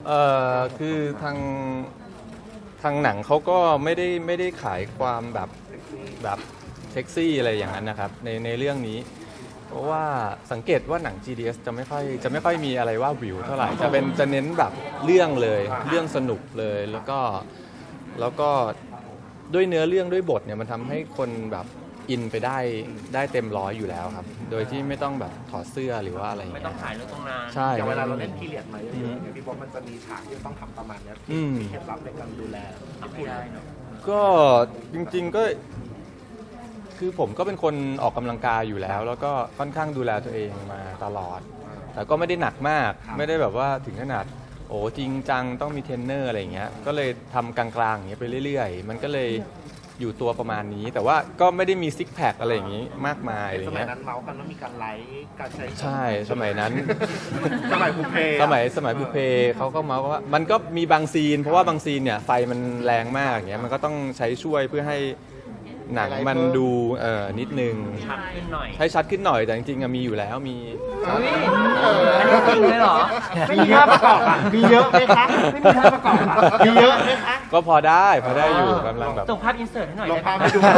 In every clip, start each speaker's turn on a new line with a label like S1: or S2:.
S1: คือทางหนังเขาก็ไม่ได้ขายความแบบเซ็กซี่อะไรอย่างนั้นนะครับในเรื่องนี้เพราะว่าสังเกตว่าหนัง GDS จะไม่ค่อยมีอะไรว่าวิวเท่าไหร่จะเน้นแบบเรื่องเลยเรื่องสนุกเลยแล้วก็ด้วยเนื้อเรื่องด้วยบทเนี่ยมันทำให้คนแบบอินไปได้เต็มร้อยอยู่แล้วครับโดยที่ไม่ต้องแบบถอดเสื้อหรือว่าอะไรอย่างเงี้ย
S2: ไม่ต้องถ่ายเรื่องตรงนั้น
S1: ใช่
S3: อย่างเวลาเราเล่นพีเรียดมาเยอะๆอย่างพี่บ๊อบมันจะมีฉากที่ต้องทำประมาณนี้มีเคล็ดลับในการดูแล
S2: ไม่ได้เนาะ
S1: ก็จริงๆก็คือผมก็เป็นคนออกกำลังกายอยู่แล้วก็ค่อนข้างดูแลตัวเองมาตลอดแต่ก็ไม่ได้หนักมากไม่ได้แบบว่าถึงขนาดโอ้จริงจังต้องมีเทรนเนอร์อะไรอย่างเงี้ยก็เลยทำกลางๆอย่างเงี้ยไปเรื่อยๆมันก็เลยอยู่ตัวประมาณนี้แต่ว่าก็ไม่ได้มีซิกแพคอะไรอย่างงี้มากมายอะไร
S3: สมัย
S1: เงี้ย
S3: นั้นเมาส์กันว่ามีการไลฟ์การใช้
S1: ใช่สมัยนั้น
S3: สมัยบุพเพ
S1: สมัยบุพเพเขาก็เมาส์ว่ามันก็มีบางซีนเพราะว่าบางซีนเนี่ยไฟมันแรงมากอย่างเงี้ยมันก็ต้องใช้ช่วยเพื่อให้หนังมันดูนิดนึง
S2: ชัดขึ้นหน่อย
S1: ให้ชัดขึ้นหน่อยแต่จริงๆมีอยู่แล้วมี
S2: อันนี้จริงเลยเหรอ
S3: ไม่มีภาพประกอบอ่ะมีเยอะไหมคะไม่มีภาพประกอบอ่ะมีเยอะไหมคะ
S1: ก็พอได้อยู่กำลังแบบ
S2: ส่งภาพอินเสิร์ตให้หน่อย
S3: ลงภาพให้ดู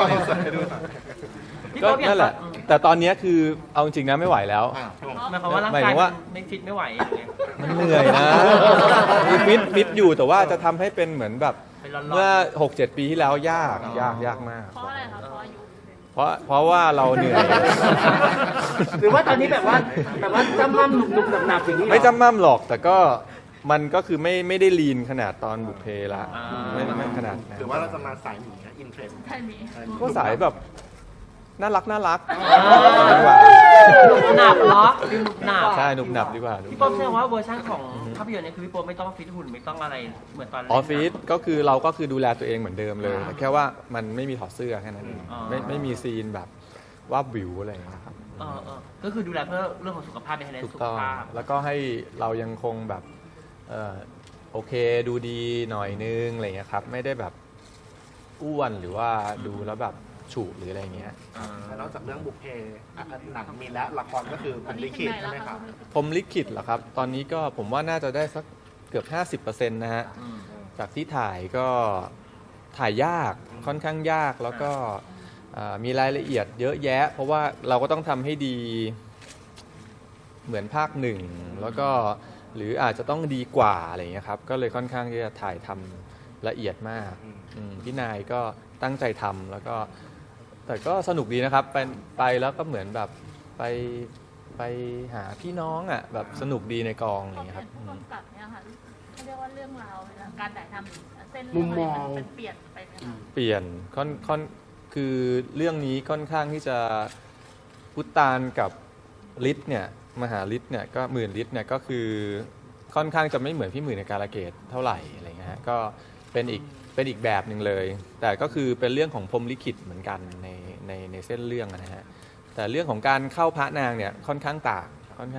S1: ก็นั่นแหละแต่ตอนนี้คือเอาจริงนะไม่ไหวแล้ว
S2: หมายความว่าร่างกายไม่ฟิตไม่ไหว
S1: มันเหนื่อยนะฟิตอยู่แต่ว่าจะทำให้เป็นเหมือนแบบเมื่อ 6-7 ปีที่แล้วยากมาก
S4: เพราะอะไรครับ
S1: เพราะว่าเราเหนื่อย
S2: หรือว่าตอนนี้แบบว่าจำมั่มหนุบหนับอย่างนี้
S1: ไม่จำมั่มหรอกแต่ก็มันก็คือไม่ได้ลีนขนาดตอนบุพเพละไม่ขนาด
S3: หรือว่าเราจะมาสายหมีอินเทรนด์
S1: ก็สายแบบน่ารัก
S2: ดีกว่าหนุบหนับเหรอหนุบหนับ
S1: ใช่หนุบหนับดีกว่า
S2: พี่ป๊อบแสดงว่าเวอร์ชันของภาพยนตร์เนี่ยคือพี่ป๊อบไม่ต้องฟิตหุ่นไม่ต้องอะไรเหมือนตอน
S1: ออฟฟิศก็คือเราก็คือดูแลตัวเองเหมือนเดิมเลยแค่ว่ามันไม่มีถอดเสื้อแค่นั้นเองไม่มีซีนแบบว่าวิวอะไรนะครับ
S2: ก็คือดูแลเพื่อเรื่องของสุขภาพในในสุขภาพ
S1: แล้วก็ให้เรายังคงแบบโอเคดูดีหน่อยนึงอะไรเงี้ยครับไม่ได้แบบอ้วนหรือว่าดูแล้วแบบฉุหรืออะไรเงี้ย
S3: นอกจากเรื่องบุพเพหนังมีและละครก็คือพรหมลิขิตใช่ไหมครับ
S1: พรหมลิขิตเหรอครับตอนนี้ก็ผมว่าน่าจะได้สักเกือบ 50% นะฮะจากที่ถ่ายก็ถ่ายยากค่อนข้างยากแล้วก็มีรายละเอียดเยอะแยะเพราะว่าเราก็ต้องทำให้ดีเหมือนภาคหนึ่งแล้วก็หรืออาจจะต้องดีกว่าอะไรเงี้ยครับก็เลยค่อนข้างที่จะถ่ายทำละเอียดมากพี่นายก็ตั้งใจทำแล้วก็แต่ก็สนุกดีนะครับไปแล้วก็เหมือนแบบไปหาพี่น้องอ่ะแบบสนุกดีในกองอะไรเงี้ยครับ
S4: กับเนี่ยค่ะเขาเรียกว่าเรื่องราวการถ่ายทำเส้นมุมมองมันเปลี่ยนไปไหมคะ
S1: เปลี่ยนคือเรื่องนี้ค่อนข้างที่จะพุตานกับฤทธิ์เนี่ยมหาฤทธิ์เนี่ยก็หมื่นฤทธิ์เนี่ยก็คือค่อนข้างจะไม่เหมือนพี่หมื่นในกาลเกตเท่าไหร่อะไรเงี้ยก็เป็นอีกแบบหนึ่งเลยแต่ก็คือเป็นเรื่องของพรหมลิขิตเหมือนกันในเส้นเรื่องนะฮะแต่เรื่องของการเข้าพระนางเนี่ยค่อนข้างต่าง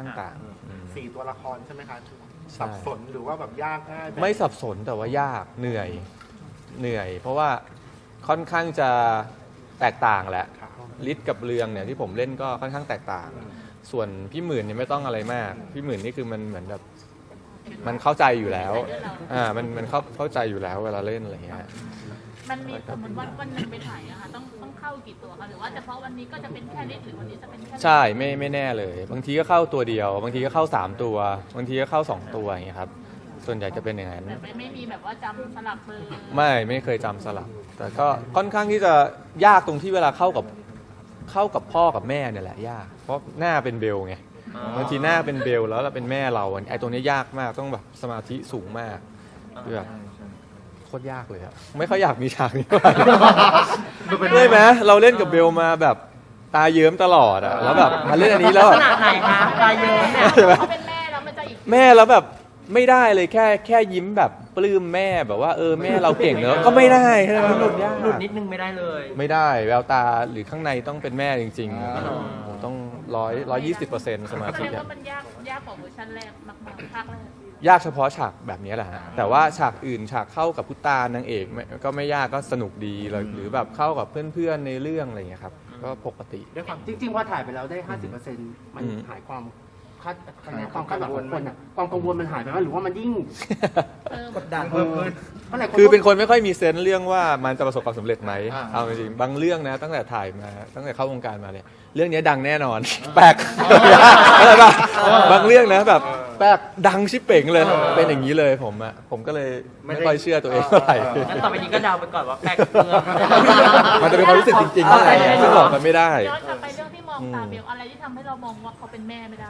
S3: 4 ตัวละครใช่ไหมคะสับสนหรือว่าแบบยากง่าย
S1: ไม่สับสนแต่ว่ายากเหนื่อยเพราะว่าค่อนข้างจะแตกต่างแหละฤทธิ์กับเรืองเนี่ยที่ผมเล่นก็ค่อนข้างแตกต่างส่วนพี่หมื่นเนี่ยไม่ต้องอะไรมากพี่หมื่นนี่คือมันเหมือนแบบมันเข้าใจอยู่แล้วมันเข้าใจอยู่แล้วเวลาเล่นอะไรเงี้ย
S4: มันมีสมมติวันนึงไปถ่ายอะค่ะต้องเข้ากี่ตัวคะหรือว่าเฉพาะวันนี้ก็จะเป็นแค่นิดหรือวันนี้จะเป็นแค่
S1: ใช่ไม่แน่เลยบางทีก็เข้าตัวเดียวบางทีก็เข้า3ตัวบางทีก็เข้า2ตัวอย่างเงี้ยครับส่วนใหญ่จะเป็นอย่างนั้น
S4: ไม่มีแบบว่าจำสลับเบอร์
S1: ไม่เคยจำสลับแต่ก็ค่อนข้างที่จะยากตรงที่เวลาเข้ากับพ่อกับแม่เนี่ยแหละยากเพราะหน้าเป็นเบลไงบางทีหน้าเป็นเบลแล้วเราเป็นแม่เราไอ้ตรงนี้ยากมากต้องแบบสมาธิสูงมากแบบโคตรยากเลยอะไม่ค่อยอยากมีฉากนี้ได้ไหมเราเล่นกับเบลมาแบบตาเยิ้มตลอดอะแล้วแบบมาเล่นอันนี้แล้ว
S2: ขนาดไหนคะตาเยิ้มเนี่ย
S4: เขาเป็นแม่แล้วมันจะอีก
S1: แม่แล้วแบบไม่ได้เลยแค่ยิ้มแบบปลื้มแม่แบบว่าแม่เราเก่งเนอะก็ไม่ได้
S2: หลุดนิดนึงไม่ได้เลย
S1: ไม่ได้แววตาหรือข้างในต้องเป็นแม่จริงๆต้อง120%สมาธิ
S4: ว่ามันยากกว่าเวอร์ชันแรกมากๆภาคแรก
S1: ยากเฉพาะฉากแบบนี้แหละฮะแต่ว่าฉากอื่นฉากเข้ากับพุตตานางเอกก็ไม่ยากก็สนุกดีหรือแบบเข้ากับเพื่อนๆในเรื่องอะไรอย่างเงี้ยครับก็ปกติ
S2: ด้วยความจริงๆว่าถ่ายไปแล้วได้ 50% มันหายความความคาดหวังของคนอ่ะความกังวลมันหายไปไหมหรือว่ามันยิ่ง
S3: กดดันเพิ่มขึ้น
S2: เพราะหลาย
S1: คือเป็นคนไม่ค่อยมีเซนส์เรื่องว่ามันจะประสบความสำเร็จไหม
S3: อ่า
S1: เอาจริงๆบางเรื่องนะตั้งแต่ถ่ายมาตั้งแต่เข้าวงการมาเนี่ยเรื่องนี้ดังแน่นอน แปลกอะไรป่ะบางเรื่องนะแบบแปลกดังชิบเป่งเลยเป็นอย่างนี้เลยผมก็เลยไม่ค่อยเชื่อตัวเองเท่าไหร่
S5: งั้นต่อไปนี้ก็เดาไปก่อนว่าแป๊กเมือง
S1: มันจะเป็นความรู้สึกจริงๆข้างในไงซึ่งหลอกกันไม่ได้
S4: ย้อนกลับไปเรื่องที่มองตาเบลอะไรที่ทำให้เรามองว่าเขาเป็นแม่ไม่ได้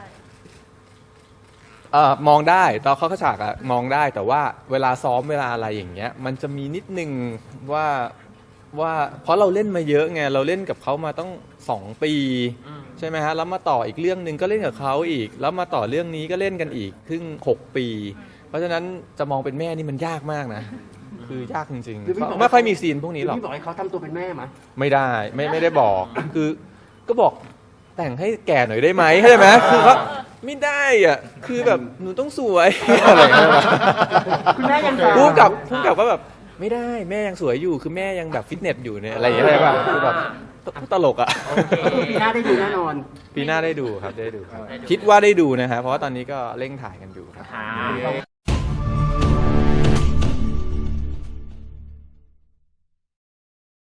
S1: มองได้ตอนเขาฉากอะมองได้แต่ว่าเวลาซ้อมเวลาอะไรอย่างเงี้ยมันจะมีนิดนึงว่าเพราะเราเล่นมาเยอะไงเราเล่นกับเขามาต้อง2 ปีใช่ไหมฮะแล้วมาต่ออีกเรื่องหนึ่งก็เล่นกับเขาอีก แล้วมาต่อเรื่องนี้ก็เล่นกันอีกครึ่ง6 ปี เพราะฉะนั้นจะมองเป็นแม่นี่มันยากมากนะ คือยากจริงๆไม่ค่อยมีซีนพวกนี้หรอก
S2: พี่บอกให้เขาทำตัวเป็นแม่ไหม
S1: ไม่ได้ไม่ได้บอกคือก็บอกแต่งให้แก่หน่อยได้ไหมเข้าใจไหมคือว่าไม่ได้อ่ะคือแบบหนูต้องสวยอะไรอย่างเงี้ย
S2: คุณแม่ยัง
S1: พูดกับก็แบบไม่ได้แม่ยังสวยอยู่คือแม่ยังแบบฟิตเนสอยู่เนี่ยอะไรอย่างเงี้ยใช่ป่ะคือแบบตลกอ่ะ
S2: ปีหน้าได้ดูแน่นอน
S1: ปีหน้าได้ดูครับได้ดูครับคิดว่าได้ดูนะฮะเพราะว่าตอนนี้ก็เร่งถ่ายกันอยู่ครับ
S5: ค่ะ